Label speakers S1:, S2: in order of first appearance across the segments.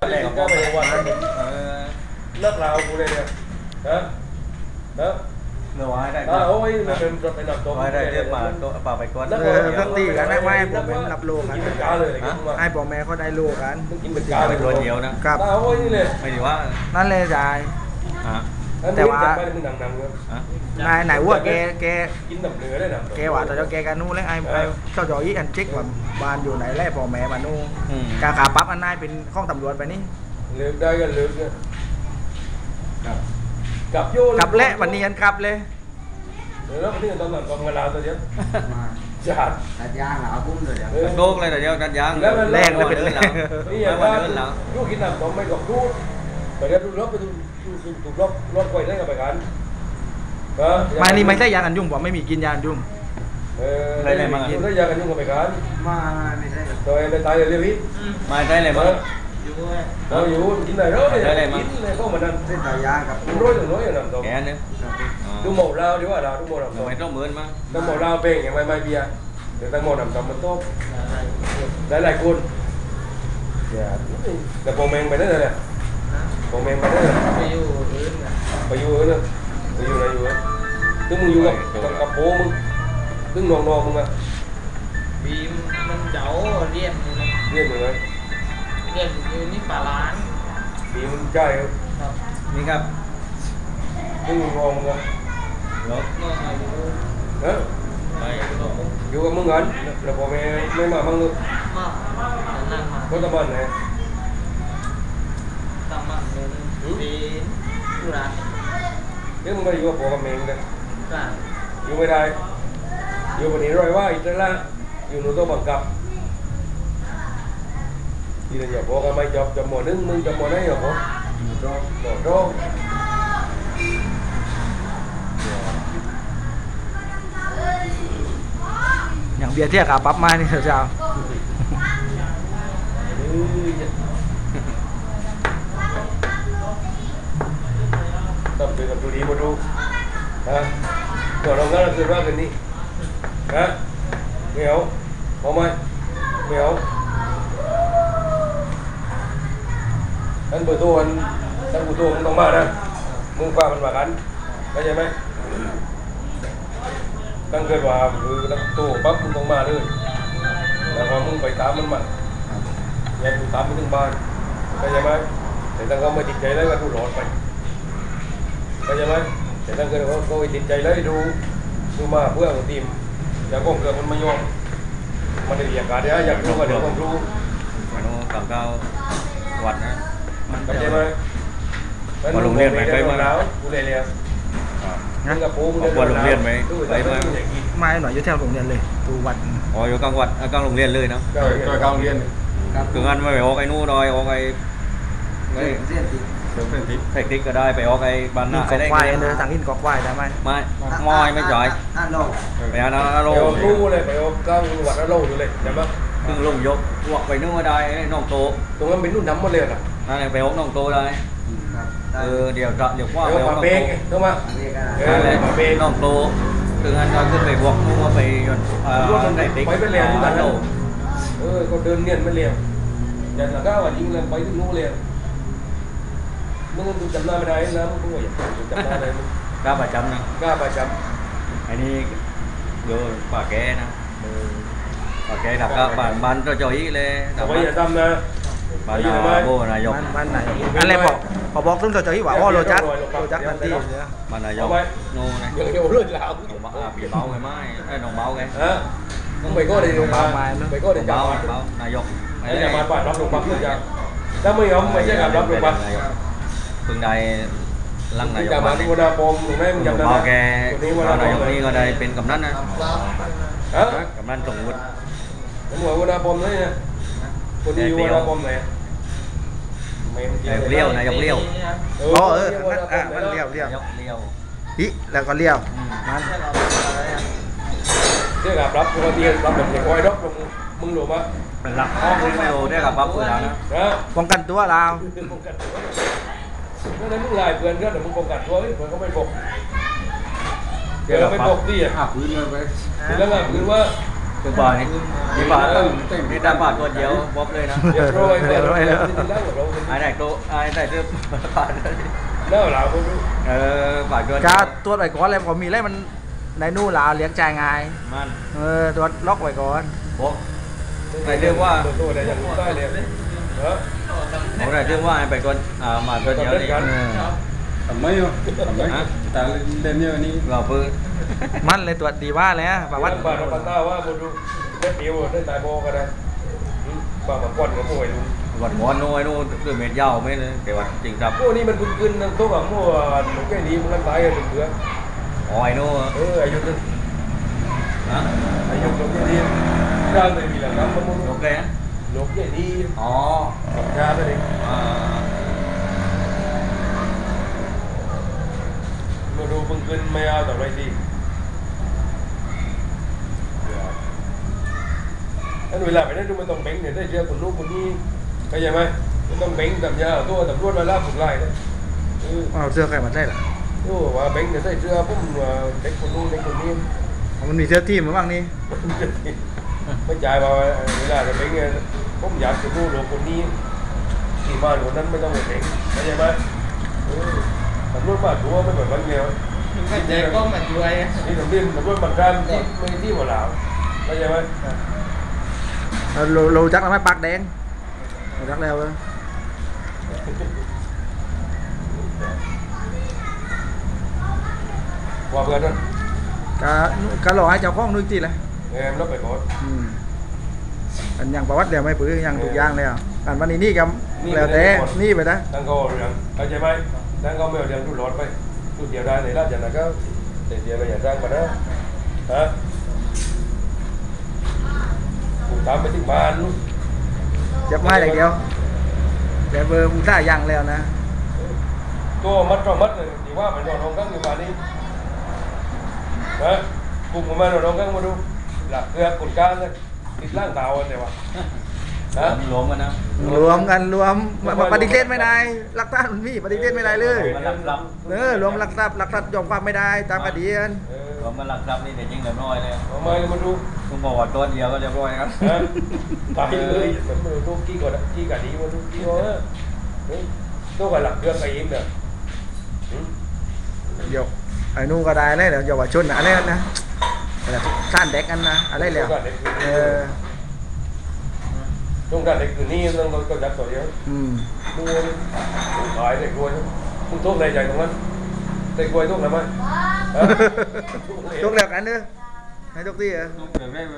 S1: แรกก็ไปวันเลิกเรากูเลยเนี่ยนะนะ
S2: เนื้อไว้ได้
S1: โอ้ยมันเป็นรถไปหนักตัว
S2: ไว้ได้เรียกมาตัวป่าไปก้อน
S3: สักตีกันได้ไหมผมเป็นรับโลกัน
S1: กินเป็นกาเลย
S3: ไอ้พ่อแม่เขาได้โลกัน
S1: กินเป็นกาเลย
S2: ตัวเดียวนะครับ
S1: โอ้ยนี่เลย
S2: ไม่ดีว่า
S3: นั่นเลยจ่ายแต่ว่านายวัวแก
S1: กินแบบเนื้อได้หนัง
S3: แกว่าตอนแกกันนู่นแล้วไอ้เจ้าจอยอันเช็คว่าบ้านอยู่ไหนแล่พ่อแม่มานู่นการขาปั๊บอันนายเป็นข้องตำรวจไปนี่
S1: เลือกได้กันเลือกเนี่ยกับโย
S3: กับเละวันนี้ยันกับเลย
S1: แล้ววันนี้ตอนหลังกองเวลาตัวเดียวจัด
S4: ตัดยางเหรอกุ้มเลยเดี๋ยว
S2: ตัดโดกเลยแต่เดียวตัดยาง
S3: แรงเลยเป็นแรง
S1: นี่อย่างว่าลูกกินน้ำต้องไม่กับลูกไปเดี๋ยวดูรถไปดูถูกรถไฟได้กับไปกัน
S3: มานี่ไม่ใช่ยากันยุ่งผมไม่มีกินยากันยุ่ง
S1: ได้เลยมาได้ยากันยุ่งกับไปกัน
S4: ไม่ใช่
S1: โดยได้ตายเลยเรียบร้อย
S2: มาได้เลยมั้ง
S1: อยู่กินไหนรถเลยกินเลยเข้ามานั่น
S4: เส้นตัดยางกับ
S1: ร้อยถึงร้อยอย่างนั้นตรง
S2: แกเนี่ย
S1: ดูหมดเราดีว่าเราดูหมดเรา
S2: ไม่ต้องเหมือนมั้ง
S1: ดูหมดเราเป็นอย่างไม่เบียร์เดี๋ยวตั้งหมดน้ำตามันโต๊ะหลายคนแต่โปรแมงไปได้เลยโปรแมงไปได้เลย
S4: ไปอยู่อื่น
S1: ไปอยู่อื่นเลยไปอยู่ไหนอยู่อ่ะตึ้งมึงอยู่กับโป้มึงตึ้งนองมึงอ่ะ
S4: บีมมันเจ้าเรียน
S1: มึงเลย
S4: เรียนอยู่นี่ป่าล้าน
S1: บีมึงใช่ครับ
S2: นี่ครับ
S1: ตึ้งนองมึงอ่ะ
S2: รถ
S1: อยู่กับมึงกันแล้วโปรแมงไม่มามั่งเลย
S4: นั่งมา
S1: ก็ตะบันไหน
S4: ตะบันเลยดีดูร้าน
S1: นี่มึงไม่อยู่กับโปรแมงเลย
S4: จ้า
S1: อยู่ไม่ได้อยู่วันนี้ร้อยว่าอีกแล้วอยู่หนูต้องบังคับที่เราอยากบอกกันไม่จบหมดนึงมึงจบหมดได้หรอพ่อโด
S3: อย่างเบียร์เที่ยขาปั๊บมานี่เถอะเจ้า
S1: ต้องเป็นกับตัวดีมาดูตัวเราก็คือว่ากันนี่เหนียวพอไหมเหนียวท่านเบอร์ตัวท่านเบอร์ตัวมึงต้องมานะมึงฟังมันว่ากันเข้าใจไหมตั้งเกิดว่าคือตั้งตัวปั๊บมึงต้องมาเลยแล้วพอมึงไปตามมันมาอย่าดูตามไปถึงบ้านเข้าใจไหมแต่ตั้งเขาไม่ติดใจแล้วก็ดูหลอดไปเข้าใจไหมแต่ตั้งเกิดเขาติดใจแล้วดูมาเพื่อทีมอย่างก้องเกิดมันไม่ยอมมันได้เรียกการได้อยากรู้ก็เดี๋ยวผมรู้
S2: มันกับเก้าวัดนะ
S1: เข้าใจไหม
S2: มาโรงเรียนไหมไปมา
S1: แล้วกูเลยเนี่ย
S2: นั่นกับปูมาโรงเรียนไหมไปมา
S3: ไม่หน่อยอยู่แถวโรงเรียนเลยตูวัด
S2: อ๋ออยู่กลางวัดกลางโรงเรียนเลยเนาะ
S1: กลางโรงเรียน
S2: คืองานไม่ไปออกไอ้นู่นดอยออกไอ้เทคนิคก็ได้ไปออกไอ้บ้านหน้า
S3: ไอ้ได้เลยทางอินกอกควายได้ไหม
S2: ไม่มอยไม่จ่อยไปอันนั้นโล
S1: รู้เลยไปออกกลางวัดโลอยู่เลยใช่ไหม
S2: ตึงลงยกวกไปนู่นได้น้องโต
S1: ตรงนั้นเป็นนู่นน้ำมาเลยอ่ะ
S2: นั่นไปออกน้องโตได้เดี๋ยวว่า
S1: ไปออกเบงถูกไหม
S2: น้องโตคืองานก็ขึ้นไปวกนู่นไป
S1: ไหนติ๊กไปเป็นเรียนที่นั่นก็เดินเนียนไม่เรียนอย่างละก้าวยิงเลยไปถึงนู่นเลยมึงจำหน้าไม่ได้นะมึงก็อย่าจำหน้าได้มึง
S2: กล้าประจำนะ
S1: กล้าประจ
S2: ำอันนี้โยป่าแกนะป่าแกดักก็บ้านก็จ่อยเลย
S1: แต่ว่าอย่าทำนะ
S2: บ้านโบนายก
S3: บ้านไหนอันแรกบอกซึ่งจ่อยว่าโรจักนันที
S2: บ้านนายกโน่นะ
S1: เดี๋ยวเลื่อนแล้ว
S2: ปีเบาไงไม่ไอ้น้องเบาไง
S1: มึงไปก็ได้
S3: เบาไม้
S1: ไปก็ได้จับ
S2: นายก
S1: ไอ้จะมาบ้านรับลงปั๊บเลยจังถ้าไม่ยอมไม่ใช่การรับลงปั๊บ
S2: เพิ่งได้ลังนายก
S1: มาที่วนาปมหรือไม่มึงจำได้
S2: ไหมแกนายกนี่ก็ได้เป็นกำนันนะกำนันส่งวุฒิ
S1: ผมบอกวนาปมเลยนะคนที่วนาปมไหน
S2: เลี้ยวนายกเลี้ยว
S3: มันเลี้ยว
S2: ฮิ
S3: แล้วก็เลี้ยวมัน
S1: เรียกกับรับตัวเดียวรับแบบคอยรับมึงหลบอ่ะ
S2: เป็นหลักห้องไม่รู้ได้กับปั๊บเวลานะ
S3: ป้องกันตัวเรา
S1: นั่นนั่นมึงลายเพื่อนก็แต่มึงป้องกันตัวเพื่อนเขาไม่ปกเดี๋ยวเราไม่ปกดิอ่ะ
S4: พื้นเลยไป
S1: แล้วไงคือว่า
S2: คือป่านี่ป่านี่ตามป่าตัวเดียวบ๊อบเลยนะ
S1: เดี๋ยวโรยเดี๋ยวโรยเดี๋ยวได้หมดเรา
S2: ไอ้ไหนตัวไอ้ไหนตัวป่า
S1: เล่าหลาวคนรู้
S2: ป่าตัว
S3: กาตัวจไว้ก่อนเลยพอมีอะไรมันในนู่นลาวเลี้ยงใจง่าย
S2: มัน
S3: ตัวล็อกไว้ก่อน
S2: บ๊อบไหนเรื่องว่า
S1: ตัวเดียวยังรู้ได้เลยเออ
S2: ผมไหนเรื่องว่าไอ้ไปก่อนมาตัวเดียวนี่
S5: ทำไมอ่ะทำไมแต่เล่นเยอะนี่
S2: เราเพิ่ง
S3: มันเลยตัวจดีว่าแล้วประวัติ
S1: บ้านเราบ้านหน้าว่าบุรุษได้เดียวได้ตายโบกันนะบ้านมาก่อนกับมวยลุง
S2: วันงอนนู้นนู้นคือเม็ดยาวไม่เลยแต่ว่าจริงจับ
S1: พวกนี้มันพึ่งขึ้นนั่งโต๊ะกับมวยหนูแค่นี้มันกันตายกันถึงเดือน
S2: อ๋อไอ้นู้น
S1: อายุนึง
S2: นะ
S1: อายุหนูแค่นี้ร่างเลยมีหลังน้ำมัน
S2: โอเคนะ
S1: หนูแค่นี้
S2: อ๋อ
S1: ชาไปเลยมาดูพึ่งขึ้นไม่เอาแต่ไรดีอันเวลาไปได้ดูมันต้องเบ่งเนี่ยได้เจอคนนู้นคนนี้เข้าใจไหมมันต้องเบ่งตำยาตัวตำรวจมาล่าผุนไล่เลย
S3: เอาเสื้อใครมาได้ล่ะ
S1: โอ้ว่าเบ่งเนี่ยได้เจอปุ๊บเด็กคนนู้นเด็กคนนี้
S3: มันมีเสื้อทีมมาบ้างนี่
S1: ไม่จ่ายมาเวลาจะเบ่งเนี่ยผมอยากจะรู้หลวงคนนี้ที่บ้านคนนั้นไม่ต้องไปเบ่งเข้าใจไหมตำรวจมาตัวไม่เหมือนบางเดียว
S4: ก็ใจก็มาช่วย
S1: นี่ตำรวจตำรวจบัตรการที่ไม่ที่หัวหลาวเข้าใจไหม
S3: เราจักแล้วไหมปากแดงเราจักแล้ว
S1: ว่าเพื่อนนั่น
S3: ก็รอให้เจ้าของนึกจีเลย
S1: มันรับไปก่อน
S3: อันอย่างประวัติเดี๋ยวไม่ปื้ออย่างทุกอย่างเลยอ่ะอันวันนี้นี่กับแล้วแต่นี่ไปนะ
S1: ตั้งก็เรื่องเข้าใจไหมตั้งก็ไม่เอาเรื่องดูรถไปดูเดียวได้ในราชนาก็แต่เดียวเราอย่าสร้างมานะฮะผมตามไปที่บ้านลูก
S3: จับไม้อย่างเดียวแต่เบอร์มึงได้ยังแล้วนะ
S1: ตัวมัดก็มัดเลยดีว่ามันนอนรองกั้งอยู่บ้านนี้นะกลุ่มของมันนอนรองกั้งมาดูหลักเกลือกุดก้านเลยติดล่างเตาอันเดียวนะ
S2: รวมกันนะ
S3: รวมกันรวมปฏิเสธไม่ได้หลักฐานมันมีปฏิเสธไม่ได้เลย
S2: มันหลัก
S3: รวมหลักทรัพย์ยอมความไม่ได้ตามคดีกัน
S2: รวมกันหลักทรัพย์นี่เดี๋ยวยิงเรียบร้อยเลย
S1: เอาไม้มาดู
S2: คุณบอกว่าตัวเดียวก็เรียบร้อยครับ
S1: ตายเลยมันมาดูกี่ก่อนกี่กันดีมาดูกี่ก่อนตัวกับหลักเกลือไก่ยิ้มเนี่ย
S3: เดี๋ยวไอ้นู่นก็ได้เลยเดี๋ยวเยาวชนอะไรนะอะไรท่านเด็กกันนะอะไรแล้วเออ
S1: ตรงกันเด็กคือนี่ต้องจับตัวเดียวดูขายเด็กรวยมึงทุกในใจตรงนั้นเด็กรวยทุกทำไม
S3: ทุกแล้วกันเด้อให้ทุกที่อ่ะ
S5: เดี๋ยวได้ไหม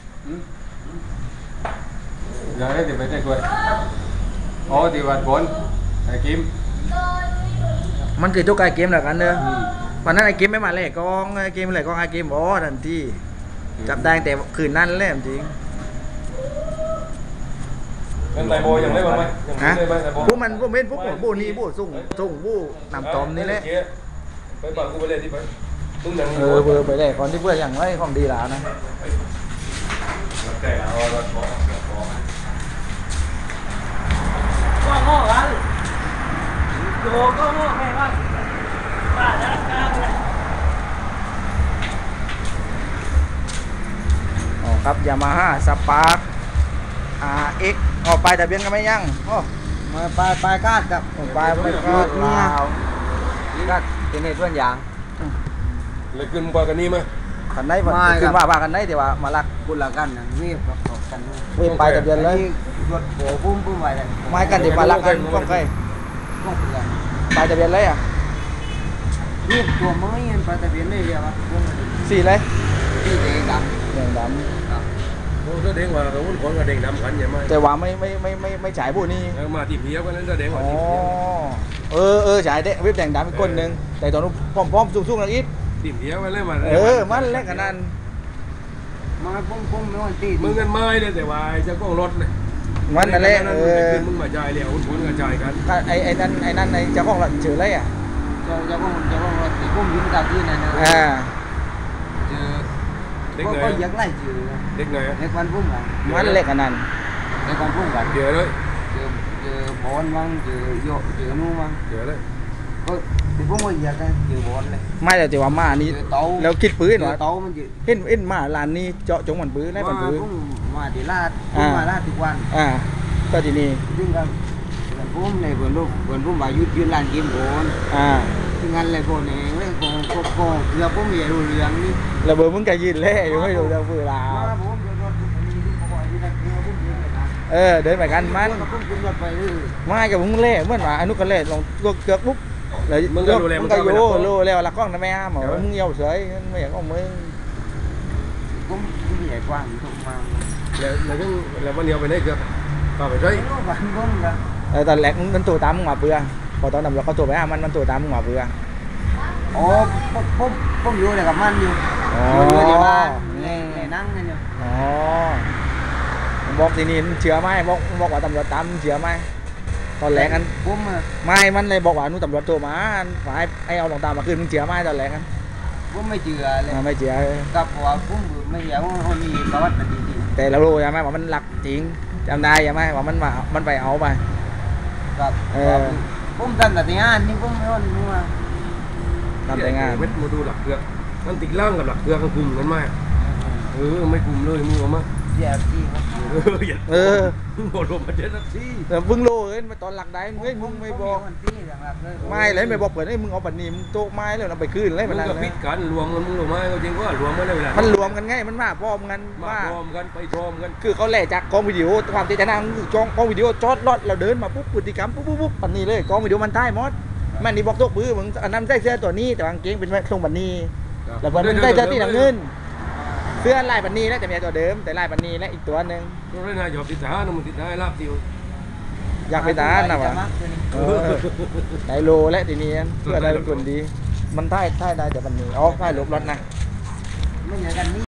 S5: เดี๋ยวได้เดี๋ยวไปได้กล้วยอ๋อที่วัดบนไอ้กิม
S3: มันคือทุกไอเกมแล้วกันเด้อวันนั้นไอเกมไม่มาเลยกองไอเกมอะไรกองไอเกมอ๋อทันทีจับได้แต่คืนนั้นเลยจริง
S1: เป็นไตโบยังได้บ้างไหมยัง
S3: ฮะ
S1: ได้ไหมไตโบ
S3: พวกมันพวกเม็ดพวกพวกนี้พวกส่งพวกนำตอมนี่แหละ
S1: ไปบังกูไปเลยที่ไปตุ้งหนัง
S3: เบอร์ไปเลยก่อนที่เพื่อนอย่างไรของดีแล้วนะ
S1: แต่เอารถบอก
S4: ก็ง้อกันโยก็ง้อแม่กันป้าจะกล้าเลย
S3: อ๋อครับยามาฮ่าสปาร์คRX ออกไปทะเบียนกันไหมยังโอ้
S6: มาปลายกาดกับ
S3: ออกไปไม่ก็ลาว
S6: กาดเป็นเหตุเพื่อนอย่าง
S1: เลยขึ้นกว่ากันนี่ไหม
S3: คันไหนคือว่าคันไหนที่ว่ามาลัก
S6: คุณละกันนะนี่ประกอบกัน
S3: เว้นไปทะเบียนเลย
S6: รถโผปุ้มไว้เลย
S3: ไม่กันที่มาลักกันต้องใคร
S6: ก็เป็นไร
S3: ไปทะเบียนเลยอ่ะ
S6: นี่ตัวไม้ยันปลาตะเพียนเลยเดียวครับ
S3: สี่เลย
S6: ที่เด็กด
S3: แดงด
S1: โอ้แสดงว่าเราหุ้นคนกับเด็กดำกันใช่ไหม
S3: ำแต่ว่าไม่ฉายผู้นี้
S1: มาที่เพียวกันนั้นแสดงว่า
S3: อ๋อ
S1: ที่เพียว
S3: ฉายเด็กเว็บแดงดำอีกคนหนึ่งแต่ตอนนู้นพร้อมๆสูงๆนั่นอีก
S1: ที่เพียวกันเลยมา
S3: มันเล็กขนาดนั้น
S6: มาปุ้มไม่วันตี
S1: มึงกันไม้เลยแต่ว่าจะก้องรถเลย
S3: มันนั่นแหละ
S1: ขึ้นมึงมาจ่ายแล้วหุ้นกระจายกัน
S3: ไอ้นั่นเจ้าของเฉยเลยอ่ะ
S6: จะว่ารถตีปุ้มยิ้มตาที่นั่นนะ เจอ
S1: เด็กไหน
S6: ก็ยักไล่เจอ
S1: เด็กไหน
S6: ในควันปุ้มกัน
S3: มันเล็กขนาดนั้น
S6: ในควันปุ้มกัน
S1: เดี๋ยวเลย
S6: เจอบอลมั้งเจอโยเจอนู่นมั้ง
S1: เดี๋ยวเลย
S6: ก็ thì cũng có việc đây chịu bón này
S3: ไม่แต่ว่ามานี่
S6: chịu tấu
S3: แล้วคิดปืนวะ
S6: tấuมันchịu
S3: เห็นมาร้านนี้เจาะจงมันปืนได้มันปืน
S6: cũng mà thì la cũng mà la thì quan
S3: ก็ที่นี่
S6: nhưng mà cũng này vườn cũng bảo duyên duyên làn kim bón
S3: อ่า
S6: thì ngăn lại bón này với cô giờ cũng về rồi liền đi
S3: แล้วเบอร์มึงก็ยืนเล่อยู่ไม่รู้จะปืนลา
S6: mà bố rồi có gọi đi đặt kia cũngยืนเลยนะ
S3: เดินไปกันมัน
S6: cũngยืนรถไปเลย
S3: ไม่กับมึงเล่เหมือนว่าอนุก็เล่ลงตัวเกือกปุ๊บแล้วมึงก็โยแล้วละกล้องนะแม่หมอมึงเยี่ยวเฉยไม่อยากเอามึง
S6: cũng vậy quan không mà
S1: แล้วมันเหนียวไปไหนเกือบป่าไปใช่
S6: nó vẫn cũng là
S3: ตอนแรกมันตัวตามมึงหมาเบื่อพอตอนนั้นเราก็ตัวไปมันตัวตามมึงหมาเบื่อ
S6: ồ cũng vô là gặp anh nhiều
S3: อ๋อ
S6: vô thì ba ngày nắng này nhiều
S3: อ๋อบอกทีนี้เชื่อไหมบอกว่าตำรวจตามเชื่อไหมตอนแรกกัน
S6: cũng mà
S3: ไม่มันเลยบอกว่านู่นตำรวจโทรมาฝ่ายไอ้เอาหลงตามมาคืนมึงเชื่อไหมตอนแรกกัน
S6: cũng mấy chừa lên
S3: ไม่เชื่อ
S6: gặp họ cũng mấy giờ cũng hôn gì có bắt mình đi
S3: แต่เรารู้ใช่ไหมว่ามันหลักจริงจำได้ใช่ไหมว่ามันไปเอาไป
S6: gặp
S3: Ờ.
S6: cũng dân là tiếng An nhưng cũng hôn nhưng mà
S3: ทำแต่งาน
S1: เม็ดมาดูหลักเกลือมันติดล่างกับหลักเกลือกันกลุ่มกันมากไม่กลุ่มเลยมึงเอามา
S6: giờ gì
S1: อย่า
S3: เออ
S1: หมดลมมาเจ็ดนาที
S3: แต่มึงรู้เอ้ยตอนหลักได้เฮ้ยมึงไม่บอก ไม่เลยไม่บอกเปิดให้มึงเอาปันนี้มึงโต๊ะไม้เลยเราไปคืนเลย
S1: มึ
S3: มัน
S1: ง
S3: นั่น
S1: กับ
S3: เล
S1: พิ
S3: ย
S1: ษกันรวมกันมึงรู้ไหมจริงว่ารวมกันได้เวลา
S3: มันรวมกันไงมันมาพร้อมกัน
S1: มา
S3: ว่า
S1: พร้อมกันไปพร้อมกัน
S3: คือเขาแหล่จากกล้องวิดีโอความเจตนาคือกล้องวิดีโอจอดรถเราเดินมาปุ๊บพฤติกรรมปุ๊บปันนี้เลยกล้องวิดีโอมันท้ายมดมันนี่บอกโต๊ะปื้อมึงอันนั้นใส่เสื้อตัวนี้แต่กางเกงเป็นทรงปันนี้แล้วมันใส่เสื้อตีหนังเงินเสื้อลายปันนี้แล้วแต่มีตัวเดิมแต่ลายปันนี้และอีกตัวหนึ่ง
S1: เราได้นายหยอบติดท้านะมึงติดท้ายลาบติว
S3: อยากไปตาหนะวะได้โลและทีนี้เพื่อได้เป็นคนดี มันท้ายได้แต่ปันนี้อ๋อท้ายลบรถนะ
S6: mấy nhà gần đi